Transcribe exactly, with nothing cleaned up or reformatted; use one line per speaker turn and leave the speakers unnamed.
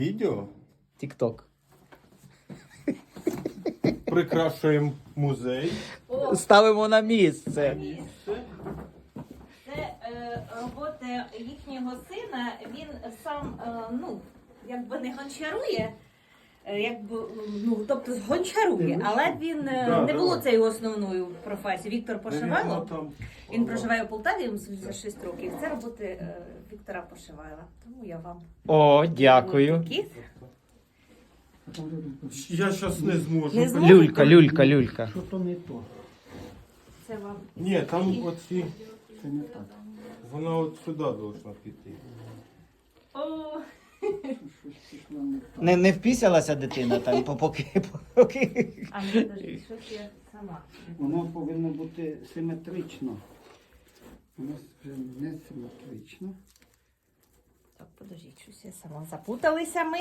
Відео
Тік-ток.
прикрашуємо музей.
О,
Ставимо на місце.
це е, робота їхнього сина. Він сам, е, ну, якби не гончарує, е, якби, ну, тобто гончарує, але він е,
Да,
не було
давай.
це його основною професією. Віктор Пошивайло.
Там.
Він проживає у Полтаві, йому сімдесят шість років. Це роботи е, Віктора Пошивайла. Тому я вам
О, дякую.
такі.
Я зараз не зможу.
Не зможу?
Люлька, люлька, люлька.
Що то не то?
Це вам.
Ні, там оці.
Це не так.
Вона от сюди должна піти.
О,
Щось пішло не так.
Не, не впісялася дитина там, по- поки, поки.
а не подожди, щось я сама.
Воно повинно бути симетрично. Воно вже не симетрично.
Так, подождіть, щось я сама запуталися ми.